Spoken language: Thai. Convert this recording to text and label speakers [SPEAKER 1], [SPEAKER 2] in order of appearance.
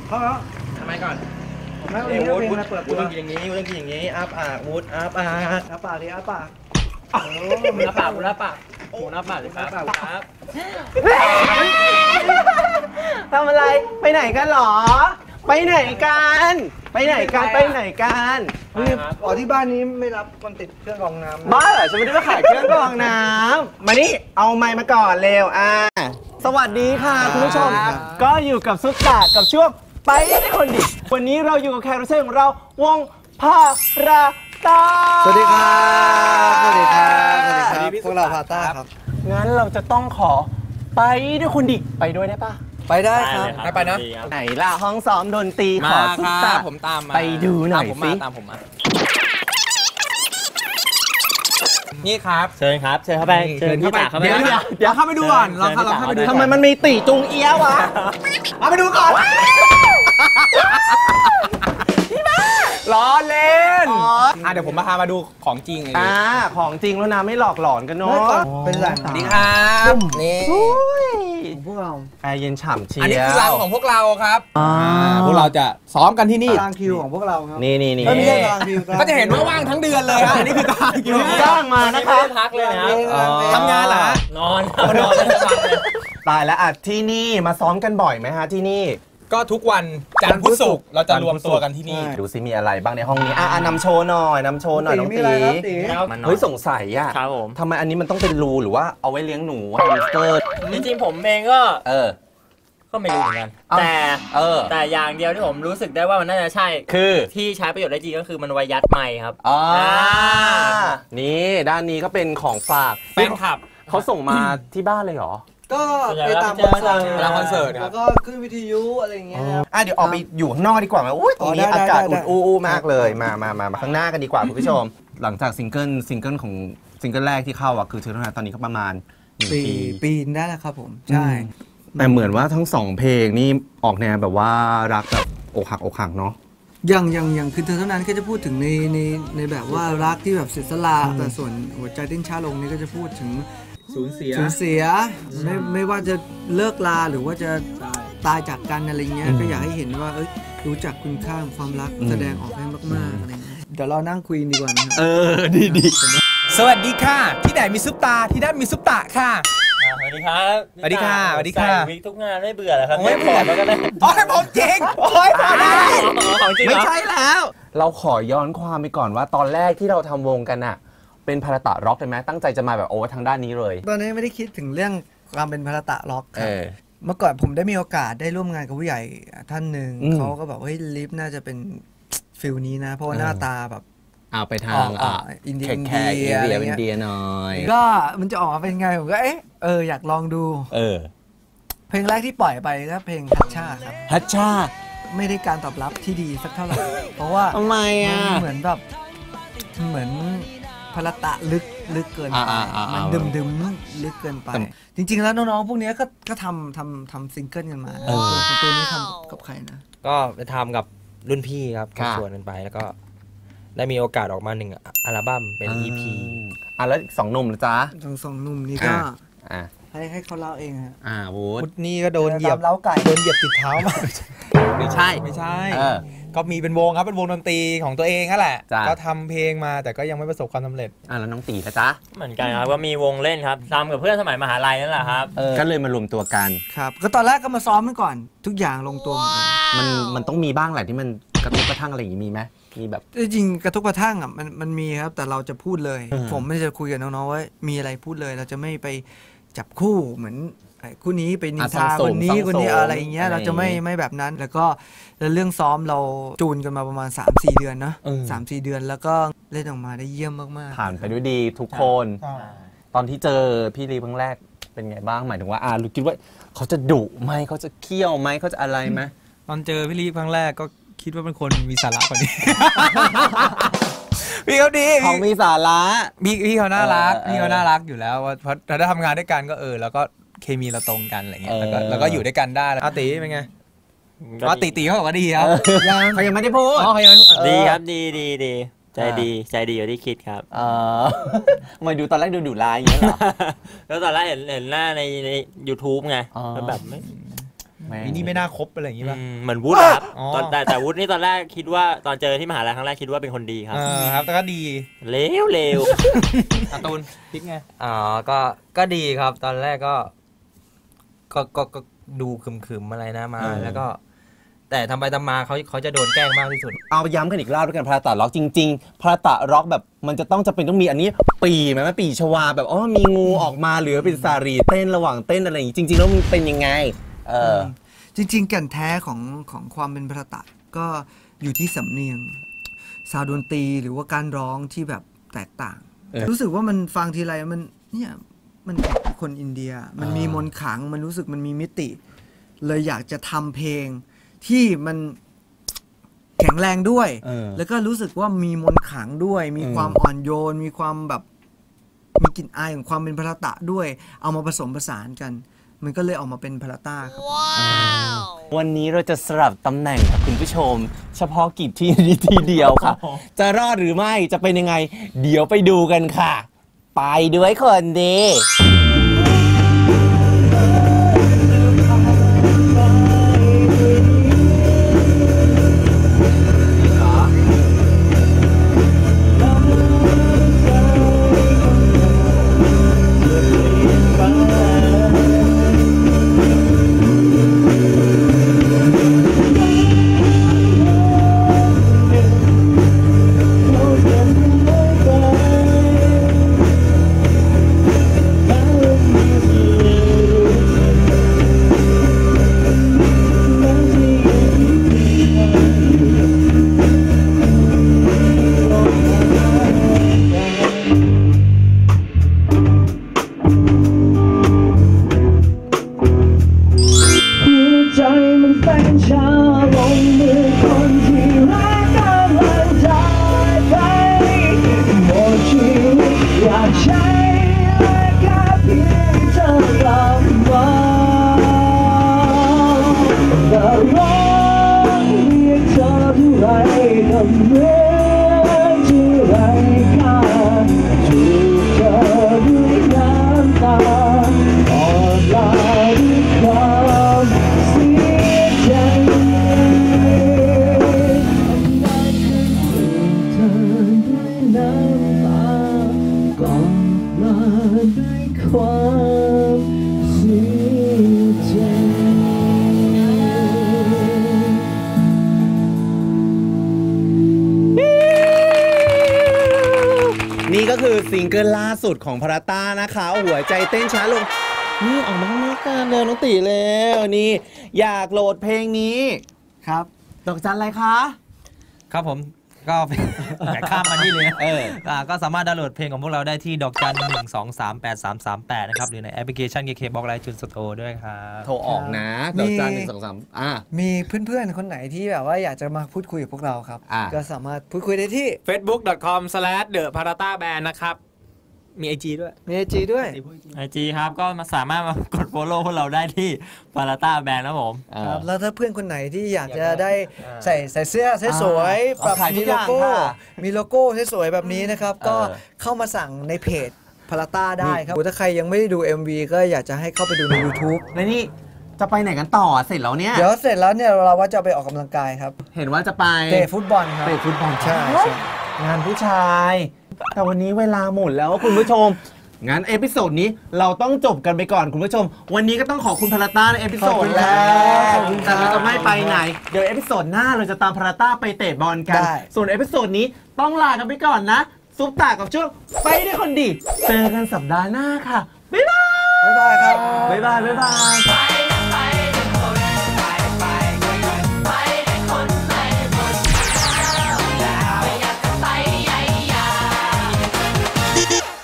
[SPEAKER 1] เข้าแล้ว
[SPEAKER 2] ทำไมก่อน
[SPEAKER 1] ไม่เอาเพลงมาเปิดตัว
[SPEAKER 2] ต้องกินอย่างนี้ต้องกินอย่างนี้อ้าปากวูดอ้าปาก
[SPEAKER 1] อ้าปากดิอ้าปาก
[SPEAKER 2] หน้าปากหน้าปากหมูหน้าปากเลยครับครับ
[SPEAKER 3] ทำอะไรไปไหนกันหรอไปไหนกันไปไหนกันไปไหนกัน
[SPEAKER 1] อ๋อที่บ้านนี้ไม่รับคนติดเครื่องกรองน้ำ
[SPEAKER 3] บ้าเหรอฉันไม่ได้มาขายเครื่องกรองน้ำมานี่เอาไมค์มาก่อนเร็วสวัสดีค่ะคุณผู้ชมก็อยู่กับซุปตากับช่วงไปได้คนดิวันนี้เราอยู่กับแขกรับเชิญของเราวงพาราต้า
[SPEAKER 1] สวัสดีครับสวัสดีครับสวัสดีครับพวกเราพาต้าครับ
[SPEAKER 3] งั้นเราจะต้องขอไปด้วยคนดิไปด้วยได้ปะ
[SPEAKER 1] ไปได้ครับ
[SPEAKER 2] ไปนะ
[SPEAKER 3] ไหนล่ะห้องซ้อมดนตรีขอซุปตา
[SPEAKER 2] ผมตามมา
[SPEAKER 3] ไปดูหน่อยสิ
[SPEAKER 2] ตามผมมานี่ครับ
[SPEAKER 3] เชิญครับเชิญเข้าไปเชิญพี่ตาเข้าไป
[SPEAKER 2] เดี๋ยวเข้าไปดูก่อนเราเข้าไปดู
[SPEAKER 3] ทำไมมันมีตีจุงเอี้ยวะ
[SPEAKER 2] เอาไปดูก่อนล้อเล่นเดี๋ยวผมพามาดูของจริง
[SPEAKER 3] ของจริงแล้วนะไม่หลอกหลอนกันเนาะ
[SPEAKER 1] เป็นหลัง
[SPEAKER 2] ดีครับนี่
[SPEAKER 1] พวกเรา
[SPEAKER 3] แอร์เย็นฉ่ำเชียว
[SPEAKER 2] อันนี้คือรังของพวกเราครับพวกเราจะซ้อมกันที่นี่
[SPEAKER 1] ตารางคิวของพวกเราครับ
[SPEAKER 3] นี่
[SPEAKER 1] ไม่ใช่ตารางคิว
[SPEAKER 2] ก็จะเห็นว่าว่างทั้งเดือนเลยอันนี้คือตารางคิว
[SPEAKER 3] จ้างมานะครับ
[SPEAKER 2] พักเลยนะทำงานเหรอนอน
[SPEAKER 3] ตายแล้วที่นี่มาซ้อมกันบ่อยไหมฮะที่นี่
[SPEAKER 2] ก็ทุกวันจันทร์พุธศุกร์เราจะรวมตัวกันที่นี่
[SPEAKER 3] ดูซิมีอะไรบ้างในห้องนี้นำโชว์หน่อยน้องตีเฮ้ยสงสัยทำไมอันนี้มันต้องเป็นรูหรือว่าเอาไว้เลี้ยงหนูแฮมสเตอร์
[SPEAKER 4] จริงๆผมเองก็ไม่รู้เหมือนกันแต่อย่างเดียวที่ผมรู้สึกได้ว่ามันน่าจะใช่
[SPEAKER 3] คือ
[SPEAKER 4] ที่ใช้ประโยชน์ได้จริงก็คือมันไว้ยัดไมค์ครับ
[SPEAKER 3] นี่ด้านนี้ก็เป็นของฝาก
[SPEAKER 4] แฟนคลับ
[SPEAKER 3] เขาส่งมาที่บ้านเลยเหรอ
[SPEAKER 1] ก็ไปตามคอนเสิร์ต
[SPEAKER 2] แล้ว
[SPEAKER 1] ก็ขึ้นวิทยุอะไรอย่างเงี้ย
[SPEAKER 3] เดี๋ยวออกไปอยู่ข้างนอกดีกว่าไหมตรงนี้อากาศอุ่นๆมากเลยมาข้างหน้ากันดีกว่าคุณผู้ชมหลังจากซิงเกิลของซิงเกิลแรกที่เข้าคือเธอเท่านั้นตอนนี้ก็ประมาณ
[SPEAKER 1] ปีได้แล้วครับผมใช่
[SPEAKER 3] แต่เหมือนว่าทั้ง2เพลงนี่ออกแนวแบบว่ารักแบบอกหักเนาะ
[SPEAKER 1] อย่างคือเธอเท่านั้นก็จะพูดถึงในแบบว่ารักที่แบบเสียสละแต่ส่วนหัวใจเต้นช้าลงนี่ก็จะพูดถึง
[SPEAKER 2] สูญเสีย
[SPEAKER 1] ไม่ว่าจะเลิกลาหรือว่าจะตายจากกันอะไรเงี้ยก็อยากให้เห็นว่ารู้จักคุณค่าของความรักแสดงออกให้มากๆอะไรเงี้ยเดี๋ยวเรานั่งคุยดีกว่านะ
[SPEAKER 3] ดี
[SPEAKER 2] สวัสดีค่ะที่ไหนมีซุปตาที่นั่นมีซุปตาค่ะ
[SPEAKER 4] สวัสดีครับ
[SPEAKER 2] สวัสดีค่ะสวัสดีค่ะ
[SPEAKER 4] วิกทุกงานไม่เบื่อเหรอครับ
[SPEAKER 2] ไม่พอแล้วกันเลยผมจริงพอได้
[SPEAKER 3] ไม่ใช่แล้วเราขอย้อนความไปก่อนว่าตอนแรกที่เราทำวงกันเป็นพาราตะร็อกเลยไหมตั้งใจจะมาแบบทางด้านนี้เลย
[SPEAKER 1] ตอนนี้ไม่ได้คิดถึงเรื่องความเป็นพาราตะร็อกครับเมื่อก่อนผมได้มีโอกาสได้ร่วมงานกับผู้ใหญ่ท่านหนึ่งเขาก็บอกว่าลิฟน่าจะเป็นฟิลนี้นะเพราะว่าหน้าตาแบบ
[SPEAKER 3] เอาไปทาง
[SPEAKER 1] อินเดี
[SPEAKER 3] ยหน่อย
[SPEAKER 1] ก็มันจะออกมาเป็นไงผมก็อยากลองดูเพลงแรกที่ปล่อยไปก็เพลงฮัชชาครับ
[SPEAKER 3] ฮัชชา
[SPEAKER 1] ไม่ได้การตอบรับที่ดีสักเท่าไหร่เพราะว่า
[SPEAKER 3] ทำไม
[SPEAKER 1] เหมือนแบบเหมือนพาราตะลึกเกินไปมันดึมลึกเกินไปจริงๆแล้วน้องๆพวกนี้ก็ทำซิงเกิลกันมาตัวนี้ทำกับใครนะ
[SPEAKER 4] ก็ไปทำกับรุ่นพี่ครับชวนกันไปแล้วก็ได้มีโอกาสออกมา1อัลบั้มเป็น EP
[SPEAKER 3] แล้วอีก2 หนุ่มนะจ๊ะ
[SPEAKER 1] สองหนุ่มนี่ก็ให้เขาเล่าเองฮะ
[SPEAKER 2] วูดนี่ก็โดนเหยียบติดเท้ามา
[SPEAKER 3] ไม่ใช่
[SPEAKER 2] ก็มีเป็นวงครับเป็นวงดนตรีของตัวเองนั่นแหละก็ทำเพลงมาแต่ก็ยังไม่ประสบความสำเร็จ
[SPEAKER 3] แล้วน้องตีนะจ๊ะ
[SPEAKER 4] เหมือนกันครับก็มีวงเล่นครับทำกับเพื่อนสมัยมหาลัยนั่นแหละครับ
[SPEAKER 3] ก็เลยมารวมตัวกัน
[SPEAKER 1] ครับก็ตอนแรกก็มาซ้อมกันก่อนทุกอย่างลงตัว
[SPEAKER 3] มันต้องมีบ้างแหละที่มันกระทบกระทั่งอะไรอย่างนี้มีไหมมีแบบ
[SPEAKER 1] จริงกระทบกระทั่งมันมีครับแต่เราจะพูดเลยผมไม่จะคุยกับน้องๆว่ามีอะไรพูดเลยเราจะไม่ไปจับคู่เหมือนคู่นี้ไปนินทาคนนี้อะไรอย่างเงี้ยเราจะไม่แบบนั้นแล้วก็เรื่องซ้อมเราจูนกันมาประมาณ 3-4 เดือนนะ3-4 เดือนแล้วก็เล่นออกมาได้เยี่ยมมาก
[SPEAKER 3] ๆผ่านไปด้วยดีทุกคนตอนที่เจอพี่ลีครั้งแรกเป็นไงบ้างหมายถึงว่าลูกคิดว่าเขาจะดุไหมเขาจะเคี่ยวไหมเขาจะอะไรไหม
[SPEAKER 2] ตอนเจอพี่ลีครั้งแรกก็คิดว่าเป็นคนมีสาระกว่านี้พี่เขาดี
[SPEAKER 3] เขามีสาระ
[SPEAKER 2] พี่เขาน่ารักอยู่แล้วเพราะเราได้ทำงานด้วยกันก็แล้วก็เคมีเราตรงกันอะไรเงี้ยแล้วก็อยู่ด้วยกันได้ตีเป็นไงตีเขาบอกว่าดีครับ
[SPEAKER 3] เขายังไม่ได้พูด
[SPEAKER 4] ดีครับดีใจดีอยู่ที่คิดครับ
[SPEAKER 3] มาดูตอนแรกดูร้ายอย่างเงี้ยเหรอ
[SPEAKER 4] แล้วตอนแรกเห็นหน้าใน YouTube ไงแล้วแบบ
[SPEAKER 2] วินนี่ไม่น่าคบอะไรอย่างงี้ป่ะ
[SPEAKER 5] เหมือนวุฒิครับ
[SPEAKER 2] อ๋อ
[SPEAKER 5] แต่วุฒินี่ตอนแรกคิดว่าตอนเจอที่มหาลัยครั้งแรกคิดว่าเป็นคนดีครับ
[SPEAKER 2] ครับแต่ก็ดี
[SPEAKER 5] เลว
[SPEAKER 2] การ์ตูนพิกไง
[SPEAKER 6] อ๋อก็ดีครับ ตอนแรกก็ดูขึมๆอะไรนะมา แล้วก็ แต่ทำไปทำมาเขาจะโดนแกล้งมากที่สุด
[SPEAKER 3] เอาย้ำกันอีกรอบด้วยกันพาราตะร็อกจริงๆพาราตะร็อกแบบมันจะเป็นต้องมีอันนี้ปีไหมปีชวาแบบมีงูออกมาหรือเป็นสารีเต้นระหว่างเต้นอะไรอย่างงี้จริงๆแล้วมันเป็นยังไง
[SPEAKER 1] จริงๆแก่นแท้ของความเป็นพาราตะก็อยู่ที่สำเนียงซาวด์ดนตรีหรือว่าการร้องที่แบบแตกต่าง รู้สึกว่ามันฟังทีไรมันเนี่ยมันคนอินเดียมันมีมนต์ขลังมันรู้สึกมันมีมิติเลยอยากจะทำเพลงที่มันแข็งแรงด้วยแล้วก็รู้สึกว่ามีมนต์ขลังด้วยมีความอ่อนโยนมีความแบบมีกลิ่นอายของความเป็นพาราตะด้วยเอามาผสมผสานกันมันก็เลยออกมาเป็นพาราต้าครับ
[SPEAKER 3] วันนี้เราจะสลับตำแหน่งกับคุณผู้ชมเฉพาะกิจที่นี้ทีเดียวค่ะ จะรอดหรือไม่จะเป็นยังไงเดี๋ยวไปดูกันค่ะไปด้วยคนดีนี่ก็คือซิงเกิลล่าสุดของพาราต้านะคะหัวใจเต้นช้าลงนี่ออกมาข้างนอกกันเลยน้องตีแล้วนี่อยากโหลดเพลงนี้
[SPEAKER 1] ครับ
[SPEAKER 3] ดอกจันอะไรคะ
[SPEAKER 6] ครับผมก็แต่ข้ามมานี่เลยก็สามารถดาวน์โหลดเพลงของพวกเราได้ที่ดอกจัน1238338นะครับหรือในแอปพลิเคชัน KKBOX iTunes Store ด้วยครับ
[SPEAKER 3] โทรออกนะดอกจัน123
[SPEAKER 1] มีเพื่อนๆคนไหนที่แบบว่าอยากจะมาพูดคุยกับพวกเราครับก็สามารถพูดคุยได้ที่
[SPEAKER 2] facebook.com/theparata-band นะครับมี IG ด้วย
[SPEAKER 1] มี IG ด้วย
[SPEAKER 5] IG ครับก็สามารถมากด follow พวกเราได้ที่ Parata Band นะผม
[SPEAKER 1] ครับแล้วถ้าเพื่อนคนไหนที่อยากจะได้ใส่เสื้อสวยๆแบบมีโลโก้สวยๆแบบนี้นะครับก็เข้ามาสั่งในเพจ Parata ได้ครับถ้าใครยังไม่ได้ดู MV ก็อยากจะให้เข้าไปดูใน YouTube
[SPEAKER 3] และนี่จะไปไหนกันต่อเสร็จแล้วเนี่ย
[SPEAKER 1] เดี๋ยวเสร็จแล้วเนี่ยเราว่าจะไปออกกำลังกายครับ
[SPEAKER 3] เห็นว่าจะไป
[SPEAKER 1] เตะฟุตบอลครับ
[SPEAKER 3] เตะฟุตบอลใช่งานผู้ชายแต่วันนี้เวลาหมดแล้วคุณผู้ชมงั้นเอพิโซดนี้เราต้องจบกันไปก่อนคุณผู้ชมวันนี้ก็ต้องขอบคุณพาราต้าในเอพิโซดแรกแต่เราจะไม่ไปไหนเดี๋ยวเอพิโซดหน้าเราจะตามพาราต้าไปเตะบอลกันส่วนเอพิโซดนี้ต้องลากันไปก่อนนะซุปตากับช่วงไปได้คนดีเจอกันสัปดาห์หน้าค่ะบ๊ายบาย
[SPEAKER 1] ครับ
[SPEAKER 3] บ๊ายบาย